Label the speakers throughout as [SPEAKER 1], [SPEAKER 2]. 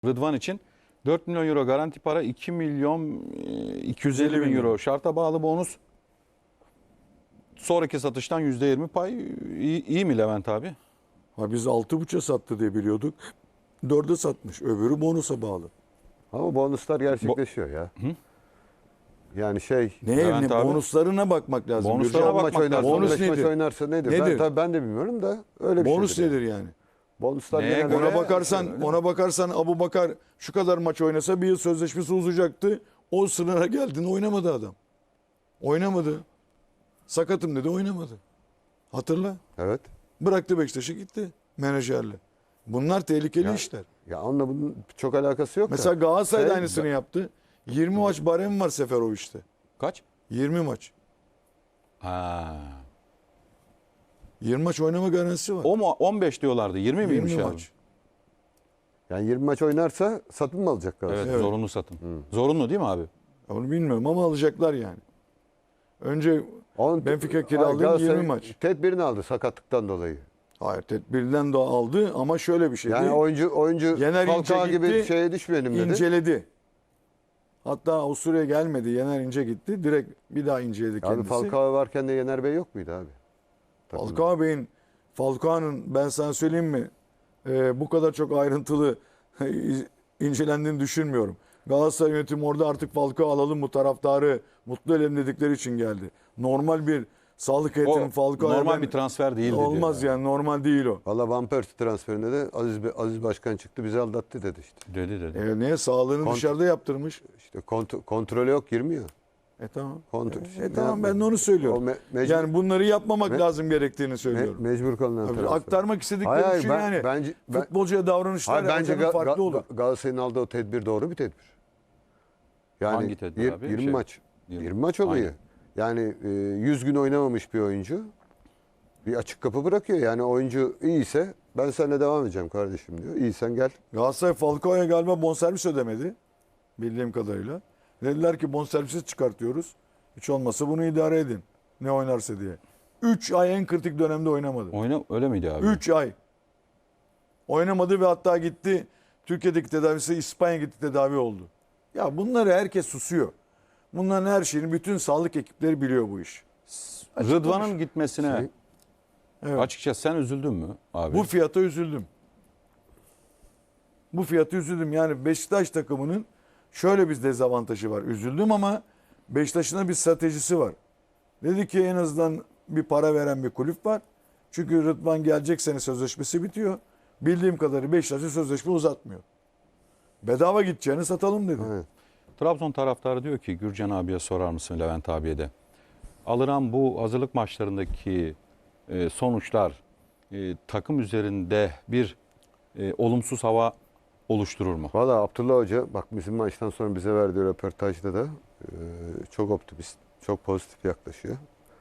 [SPEAKER 1] Rıdvan için 4 milyon euro garanti para, 2 milyon 250 bin euro şarta bağlı bonus. Sonraki satıştan %20 pay. İyi mi Levent abi?
[SPEAKER 2] Ha biz 6,5'a sattı diye biliyorduk. 4'e satmış. Öbürü bonusa bağlı.
[SPEAKER 3] Ama bonuslar gerçekleşiyor ya.
[SPEAKER 1] Hı?
[SPEAKER 3] Yani şey...
[SPEAKER 1] Levent abi,
[SPEAKER 2] bonuslarına bakmak lazım.
[SPEAKER 1] bonuslara
[SPEAKER 3] Gürcan
[SPEAKER 1] bakmak
[SPEAKER 3] maç oynarsa,
[SPEAKER 1] lazım.
[SPEAKER 2] Bonus
[SPEAKER 3] 15 maç
[SPEAKER 2] nedir?
[SPEAKER 3] oynarsa nedir?
[SPEAKER 2] Nedir?
[SPEAKER 3] Ben de bilmiyorum da öyle bir
[SPEAKER 2] Bonus
[SPEAKER 3] şeydir.
[SPEAKER 2] nedir yani?
[SPEAKER 3] Bonuslar
[SPEAKER 1] Neye
[SPEAKER 3] genelde...
[SPEAKER 1] göre?
[SPEAKER 2] Ona bakarsan Abubakar şu kadar maç oynasa bir yıl sözleşmesi uzayacaktı. O sınıra geldiğinde oynamadı adam. Oynamadı. Sakatım dedi, oynamadı. Hatırla.
[SPEAKER 3] Evet.
[SPEAKER 2] Bıraktı Beşiktaş'ı gitti menajerle. Bunlar tehlikeli işler.
[SPEAKER 3] Ya onunla bunun çok alakası yok
[SPEAKER 2] Mesela
[SPEAKER 3] da.
[SPEAKER 2] Galatasaray da
[SPEAKER 3] Şey-
[SPEAKER 2] aynısını yaptı. 20 maç barem var Seferovic'te.
[SPEAKER 1] Kaç?
[SPEAKER 2] 20 maç.
[SPEAKER 1] Ha.
[SPEAKER 2] 20 maç oynama garantisi var.
[SPEAKER 1] O mu 15 diyorlardı. 20 miymiş
[SPEAKER 2] 20
[SPEAKER 1] abi?
[SPEAKER 2] maç.
[SPEAKER 3] Yani 20 maç oynarsa satın mı alacak Galatasaray?
[SPEAKER 1] Evet,
[SPEAKER 2] Evet.
[SPEAKER 1] zorunlu satın. Zorunlu değil mi abi?
[SPEAKER 2] Onu bilmiyorum ama alacaklar yani. Önce
[SPEAKER 3] Onun-
[SPEAKER 2] Benfica kiralığı
[SPEAKER 3] Galatasaray
[SPEAKER 2] 20 maç.
[SPEAKER 3] Tedbirini aldı sakatlıktan dolayı.
[SPEAKER 2] Hayır, tedbirden de aldı ama şöyle bir şeydi.
[SPEAKER 3] Yani oyuncu
[SPEAKER 2] Yener
[SPEAKER 3] Falcao
[SPEAKER 2] İnce
[SPEAKER 3] gibi
[SPEAKER 2] gitti,
[SPEAKER 3] şeye düşmeyelim dedi.
[SPEAKER 2] İnceledi. Hatta Avusturya'ya gelmedi. Yener İnce gitti. Direkt bir daha inceledi
[SPEAKER 3] Abi
[SPEAKER 2] kendisi.
[SPEAKER 3] Falcao varken de Yener Bey yok muydu abi?
[SPEAKER 2] Falcao'nun ben sana söyleyeyim mi? Bu kadar çok ayrıntılı incelendiğini düşünmüyorum. Galatasaray yönetimi orada artık Falcao alalım, bu taraftarı mutlu edelim dedikleri için geldi. Normal bir sağlık heyetinin
[SPEAKER 1] O
[SPEAKER 2] Falcao'ya
[SPEAKER 1] normal bir transfer değildi.
[SPEAKER 2] olmaz
[SPEAKER 1] diyor.
[SPEAKER 2] yani, normal değil o.
[SPEAKER 3] Valla Van Persie transferinde de Aziz Başkan çıktı bizi aldattı dedi işte.
[SPEAKER 1] Dedi.
[SPEAKER 2] Niye? Sağlığını dışarıda yaptırmış.
[SPEAKER 3] İşte kontrolü yok girmiyor.
[SPEAKER 2] Tamam.
[SPEAKER 3] Kontrol.
[SPEAKER 2] Tamam, ben de onu söylüyorum. Yani bunları yapmamak lazım gerektiğini söylüyorum.
[SPEAKER 3] Mecbur kalınan
[SPEAKER 2] Abi,
[SPEAKER 3] transfer.
[SPEAKER 2] aktarmak istedikleri
[SPEAKER 3] Hayır,
[SPEAKER 2] şey
[SPEAKER 3] ben-
[SPEAKER 2] yani.
[SPEAKER 3] bence- ben-
[SPEAKER 2] Futbolcuya davranışlar
[SPEAKER 3] Bence
[SPEAKER 2] farklı olur.
[SPEAKER 3] Galatasaray'ın aldığı o tedbir doğru bir tedbir. Yani
[SPEAKER 1] Hangi tedbir abi?
[SPEAKER 3] 20 maç. 20 maç oluyor. Yani 100 gün oynamamış bir oyuncu bir açık kapı bırakıyor. Yani oyuncu iyiyse ben seninle devam edeceğim kardeşim diyor. İyisen gel.
[SPEAKER 2] Galatasaray Falcao'ya galiba bonservis ödemedi. Bildiğim kadarıyla. Dediler ki bonservisi çıkartıyoruz. Hiç olmazsa bunu idare edin. Ne oynarsa diye. 3 ay en kritik dönemde oynamadı.
[SPEAKER 1] Öyle miydi abi?
[SPEAKER 2] 3 ay. Oynamadı ve hatta gitti. Türkiye'deki tedavisi İspanya gitti, tedavi oldu. Ya bunları herkes susuyor. Bunların her şeyini bütün sağlık ekipleri biliyor bu iş.
[SPEAKER 1] Rıdvan'ın gitmesine
[SPEAKER 2] Evet.
[SPEAKER 1] açıkçası sen üzüldün mü abi?
[SPEAKER 2] Bu fiyata üzüldüm. Bu fiyata üzüldüm. Yani Beşiktaş takımının şöyle bir dezavantajı var. Üzüldüm ama Beşiktaş'ın da bir stratejisi var. Dedi ki en azından bir para veren bir kulüp var. Çünkü Rıdvan gelecek sene sözleşmesi bitiyor. Bildiğim kadarıyla Beşiktaş'ın sözleşme uzatmıyor. Bedava gideceğini satalım dedi.
[SPEAKER 3] Evet.
[SPEAKER 1] Trabzon taraftarı diyor ki Gürcan abiye sorar mısın, Levent abiye de. Alınan bu hazırlık maçlarındaki sonuçlar takım üzerinde bir olumsuz hava oluşturur mu?
[SPEAKER 3] Valla Abdullah Hoca bak bizim maçtan sonra bize verdiği röportajda da çok optimist, çok pozitif yaklaşıyor.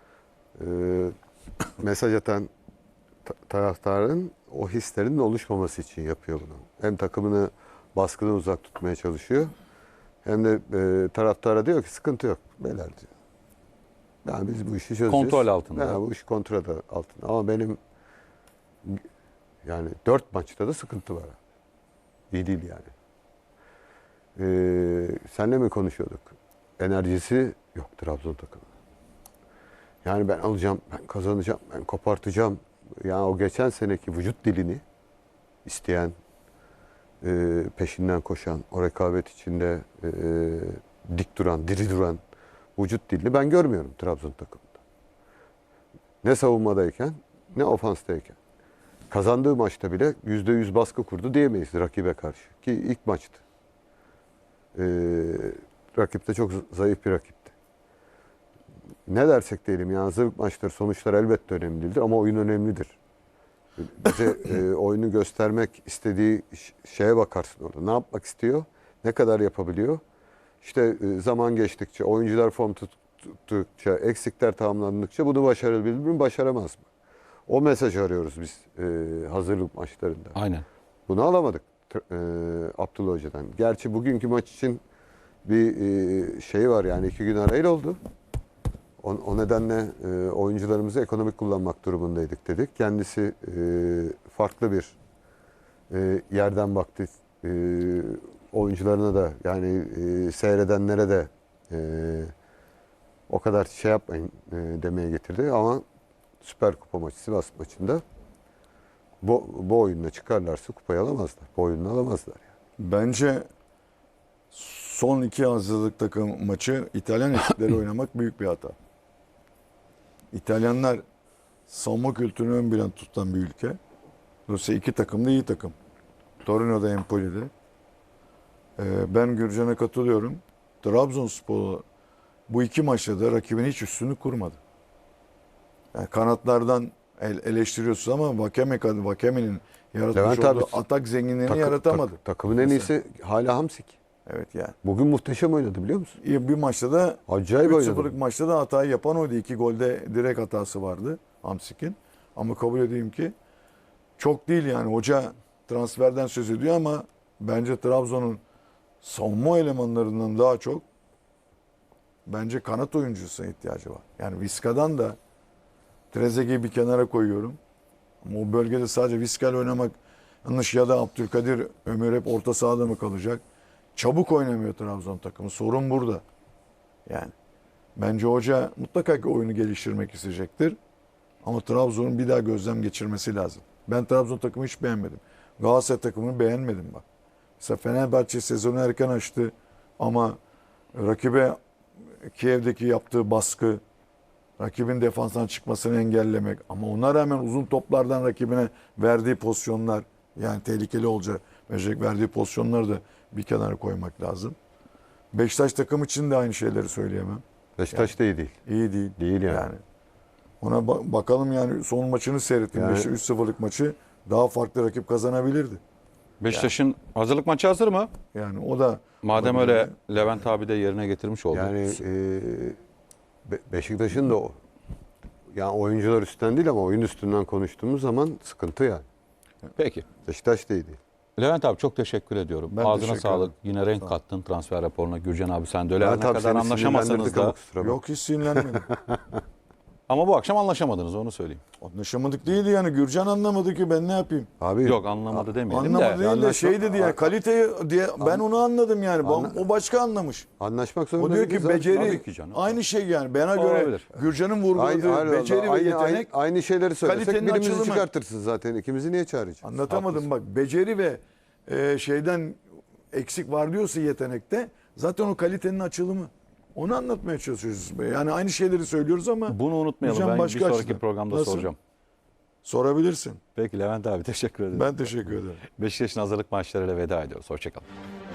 [SPEAKER 3] Mesaj atan taraftarın o hislerinin oluşmaması için yapıyor bunu. Hem takımını baskıdan uzak tutmaya çalışıyor. Hem de taraftara diyor ki sıkıntı yok beyler diyor. Yani biz bu işi çözeceğiz.
[SPEAKER 1] Kontrol altında.
[SPEAKER 3] Yani bu iş kontrol altında. Ama benim yani 4 maçta da sıkıntı var. İyi değil yani. Senle mi konuşuyorduk? Enerjisi yok Trabzon takımı. Yani ben alacağım, ben kazanacağım, ben kopartacağım. Yani o geçen seneki vücut dilini isteyen, peşinden koşan, o rekabet içinde dik duran, diri duran vücut dilini ben görmüyorum Trabzon takımında. Ne savunmadayken, ne ofanstayken. Kazandığı maçta bile %100 baskı kurdu diyemeyiz rakibe karşı. Ki ilk maçtı. Rakip de çok zayıf bir rakipti. Ne dersek diyelim yani hazırlık maçları sonuçlar elbette önemli değildir ama oyun önemlidir. Bize oyunu göstermek istediği şeye bakarsın orada. Ne yapmak istiyor? Ne kadar yapabiliyor? İşte zaman geçtikçe, oyuncular form tuttukça, eksikler tamamlandıkça bunu başarabilir mi, başaramaz mı? O mesajı arıyoruz biz hazırlık maçlarında.
[SPEAKER 1] Aynen.
[SPEAKER 3] Bunu alamadık Abdullah Hoca'dan. Gerçi bugünkü maç için bir şey var yani 2 gün arayla oldu. O nedenle oyuncularımızı ekonomik kullanmak durumundaydık dedik. Kendisi farklı bir yerden baktı oyuncularına da yani seyredenlere de o kadar şey yapmayın demeye getirdi ama Süper Kupa maçı Sivas maçında bu oyunla çıkarlarsa kupayı alamazlar. Bu oyunla alamazlar. Yani.
[SPEAKER 2] Bence son 2 hazırlık takım maçı İtalyan ekipleri oynamak büyük bir hata. İtalyanlar savunma kültürünü ön planda tutan bir ülke. Dolayısıyla 2 takım da iyi takım. Torino'da, Empoli'de. Ben Gürcan'a katılıyorum. Trabzonspor bu 2 maçta da rakibin hiç üstünü kurmadı. Yani kanatlardan eleştiriyorsunuz ama Vakeme'nin yaratmış
[SPEAKER 3] Levent abi,
[SPEAKER 2] olduğu atak zenginliğini yaratamadı.
[SPEAKER 3] Takımın en iyisi hala Hamsik.
[SPEAKER 2] Evet yani.
[SPEAKER 3] Bugün muhteşem oynadı biliyor musun?
[SPEAKER 2] Bir maçta da
[SPEAKER 3] Acayip oynadı.
[SPEAKER 2] 3-0'lık maçta da hatayı yapan oydu. 2 golde direkt hatası vardı Hamsik'in. Ama kabul edeyim ki çok değil yani. Hoca transferden söz ediyor ama bence Trabzon'un savunma elemanlarından daha çok bence kanat oyuncusuna ihtiyacı var. Yani Vizca'dan da Trezeguet'i bir kenara koyuyorum. Ama o bölgede sadece Vizca'yla oynamak yanlış ya da Abdülkadir Ömür hep orta sahada mı kalacak? Çabuk oynamıyor Trabzon takımı. Sorun burada. Yani bence hoca mutlaka ki oyunu geliştirmek isteyecektir. Ama Trabzon'un bir daha gözlem geçirmesi lazım. Ben Trabzon takımı hiç beğenmedim. Galatasaray takımını beğenmedim bak. Mesela Fenerbahçe sezonu erken açtı ama rakibe Kiev'deki yaptığı baskı, rakibin defanstan çıkmasını engellemek ama ona rağmen uzun toplardan rakibine verdiği pozisyonlar yani tehlikeli olacak verdiği pozisyonları da bir kenara koymak lazım. Beşiktaş takım için de aynı şeyleri söyleyemem.
[SPEAKER 3] Beşiktaş da iyi değil.
[SPEAKER 2] İyi değil.
[SPEAKER 3] Değil yani.
[SPEAKER 2] Ona bakalım yani son maçını seyrettim.
[SPEAKER 3] Yani-
[SPEAKER 2] Beşiktaş 3-0'lık maçı daha farklı rakip kazanabilirdi.
[SPEAKER 1] Beşiktaş'ın hazırlık maçı hazır mı?
[SPEAKER 2] Yani o da
[SPEAKER 1] Madem öyle Levent abi de yerine getirmiş oldu.
[SPEAKER 3] Yani Beşiktaş'ın da yani oyuncular üstten değil ama oyun üstünden konuştuğumuz zaman sıkıntı yani.
[SPEAKER 1] Peki.
[SPEAKER 3] Beşiktaş da iyi değil.
[SPEAKER 1] Levent abi çok teşekkür ediyorum.
[SPEAKER 2] Ben
[SPEAKER 1] Ağzına
[SPEAKER 2] teşekkür
[SPEAKER 1] sağlık.
[SPEAKER 2] ederim.
[SPEAKER 1] Yine renk kattın transfer raporuna. Gürcan abi sen de öyle her
[SPEAKER 3] Levent
[SPEAKER 1] ne
[SPEAKER 3] abi
[SPEAKER 1] kadar
[SPEAKER 3] seni
[SPEAKER 1] anlaşamasanız
[SPEAKER 3] sinirlendirdik ama
[SPEAKER 1] da.
[SPEAKER 3] kusura bakma.
[SPEAKER 2] yok hiç sinirlenmedim.
[SPEAKER 1] Ama bu akşam anlaşamadınız onu söyleyeyim.
[SPEAKER 2] Anlaşamadık değildi yani. Gürcan anlamadı ki ben ne yapayım?
[SPEAKER 3] Abi
[SPEAKER 1] Yok anlamadı demeyelim
[SPEAKER 2] Anlamadı
[SPEAKER 1] de.
[SPEAKER 2] değil de
[SPEAKER 3] Anlaşma-
[SPEAKER 2] şey dedi yani kaliteyi diye ben onu anladım yani. O başka anlamış.
[SPEAKER 3] anlaşmak
[SPEAKER 2] O
[SPEAKER 3] zorunda
[SPEAKER 2] diyor ki
[SPEAKER 3] değiliz abi.
[SPEAKER 2] beceri
[SPEAKER 1] Tabii ki canım.
[SPEAKER 2] aynı şey yani. Bana göre
[SPEAKER 1] Olabilir.
[SPEAKER 2] Gürcan'ın vurguladığı beceri ve yetenek
[SPEAKER 3] aynı şeyleri söylesek
[SPEAKER 2] kalitenin
[SPEAKER 3] birimizi
[SPEAKER 2] açılımı.
[SPEAKER 3] çıkartırsın zaten. İkimizi niye çağıracaksın?
[SPEAKER 2] anlatamadım bak. Beceri ve şeyden eksik var diyorsa yetenekte zaten o kalitenin açılımı. Onu anlatmaya çalışıyoruz. Yani aynı şeyleri söylüyoruz ama
[SPEAKER 1] Bunu unutmayalım.
[SPEAKER 2] Gürcan
[SPEAKER 1] Ben bir
[SPEAKER 2] başka
[SPEAKER 1] sonraki
[SPEAKER 2] açıdan.
[SPEAKER 1] programda
[SPEAKER 2] Nasıl?
[SPEAKER 1] soracağım.
[SPEAKER 2] Sorabilirsin.
[SPEAKER 1] Peki Levent abi teşekkür ederim.
[SPEAKER 2] Ben teşekkür ederim.
[SPEAKER 1] Beşiktaş'ın hazırlık maçlarıyla veda ediyoruz. Hoşçakalın.